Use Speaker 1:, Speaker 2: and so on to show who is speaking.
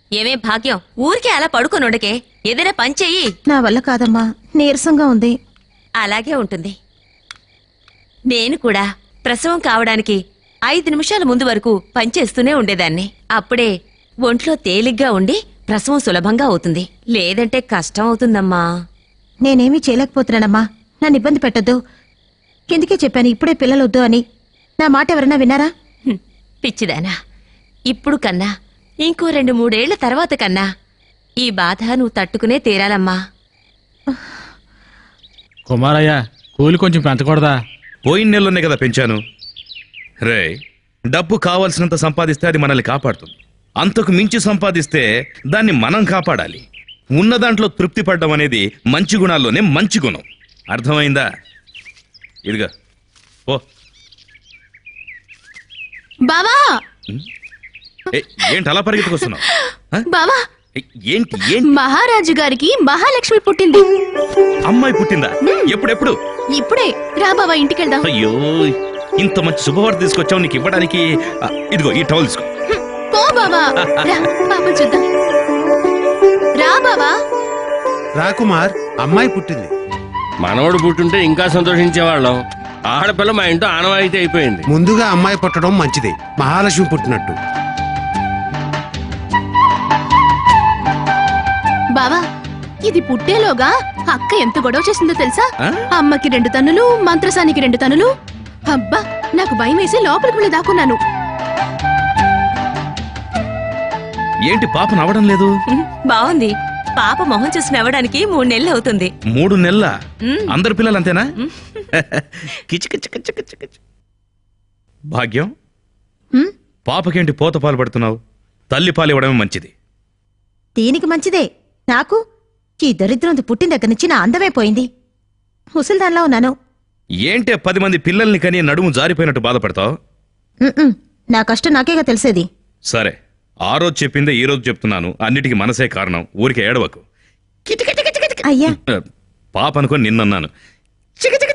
Speaker 1: ఏమే భాగ్యం, ఊరికే అలా పడుకొని ఉండకే, ఏదైనా పని చెయ్యి.
Speaker 2: నా వల్ల కాదమ్మా, నీరసంగా ఉంది.
Speaker 1: అలాగే ఉంటుంది. నేను కూడా ప్రసవం కావడానికి 5 నిమిషాల ముందు వరకు పనిచేస్తూనే ఉండేదాన్ని. అప్పుడే ఒంట్లో తేలిగ్గా ఉండి ప్రసవం సులభంగా అవుతుంది. లేదంటే కష్టం అవుతుందమ్మా.
Speaker 2: నేనేమీ చేయలేకపోతున్నానమ్మా, నన్ను ఇబ్బంది పెట్టొద్దు. కిందికే చెప్పాను ఇప్పుడే పిల్లలొద్దు అని. నా మాట ఎవరన్నా విన్నారా?
Speaker 1: పిచ్చిదానా, ఇప్పుడు కన్నా ఇంకో 2-3 ఏళ్ల తర్వాత కన్నా ఈ బాధ నువ్వు తట్టుకునే తీరాలమ్మా.
Speaker 3: కుమారయ్య, కూలి కొంచెం పెంచకూడదా?
Speaker 4: పోయిన నెలలోనే కదా పెంచాను. రే, డబ్బు కావాల్సినంత సంపాదిస్తే అది మనల్ని కాపాడుతుంది. అంతకు మించి సంపాదిస్తే దాన్ని మనం కాపాడాలి. ఉన్న దాంట్లో తృప్తి పడ్డం అనేది మంచి గుణాల్లోనే మంచి గుణం. అర్థమైందా? ఇదిగా ఓ
Speaker 5: బావా,
Speaker 4: ఏంటి అలా పరిగెత్తుకొస్తున్నావు?
Speaker 5: బావా,
Speaker 4: ఏంటి ఏంటి?
Speaker 5: మహారాజు గారికి మహాలక్ష్మి పుట్టింది.
Speaker 4: అమ్మాయి పుట్టిందా? ఎప్పుడెప్పుడు?
Speaker 5: ఇప్పుడే. రా బావా, ఇంటికెళ్దాం.
Speaker 4: అయ్యో, ఇంత మంచి శుభవార్త తీసుకొచ్చావు. నీకు ఇవ్వడానికి ఇదిగో ఈ టవల్ తీసుకో.
Speaker 5: పో బావా, రా పాప చూద్దాం. రా బావా.
Speaker 6: రాకుమార్, అమ్మాయి పుట్టింది.
Speaker 7: మనవడు పుట్టుంటే ఇంకా సంతోషించేవాళ్ళం. ఆడపిల్ల మా ఇంట్లో ఆనవాయితీ అయిపోయింది.
Speaker 6: ముందుగా అమ్మాయి పుట్టడం మంచిది, మహాలక్ష్మి పుట్టినట్టు.
Speaker 5: బావా, ఇది పుట్టేలోగా అక్క ఎంత గొడవ చేసిందో తెలుసా? అమ్మకి 2 తన్నులు, మంత్రసానికి 2 తన్నులు. అబ్బా, నాకు భయం వేసి లోపలికి వెళ్ళి దాక్కున్నాను.
Speaker 4: ఏంటి పాప నవ్వడం లేదు?
Speaker 1: బాగుంది. పాప మొహం చూసి నవ్వడానికి 3 నెలలు అవుతుంది.
Speaker 4: 3 నెలల? అందరు పిల్లలు అంతేనా? కిచకిచకిచకిచకిచ. భాగ్యం, పాపకేంటి పోత పాలు పడుతున్నావు? తల్లి పాలు ఇవ్వడమే మంచిది.
Speaker 2: దీనికి మంచిదే. నాకు ఈ దరిద్రం పుట్టిన దగ్గర నుంచి నా అందమే పోయింది. ముసల్దాన్లా ఉన్నాను.
Speaker 4: ఏంటే 10 మంది పిల్లల్ని కని నడుము జారిపోయినట్టు బాధపడతావు?
Speaker 2: నా కష్టం నాకేగా తెలిసేది.
Speaker 4: సరే, ఆ రోజు చెప్పిందే ఈ రోజు చెప్తున్నాను. అన్నిటికీ మనసే కారణం. ఊరికి ఏడవకు.
Speaker 2: అయ్యా,
Speaker 4: పాప అనుకొని నిన్నన్నాను.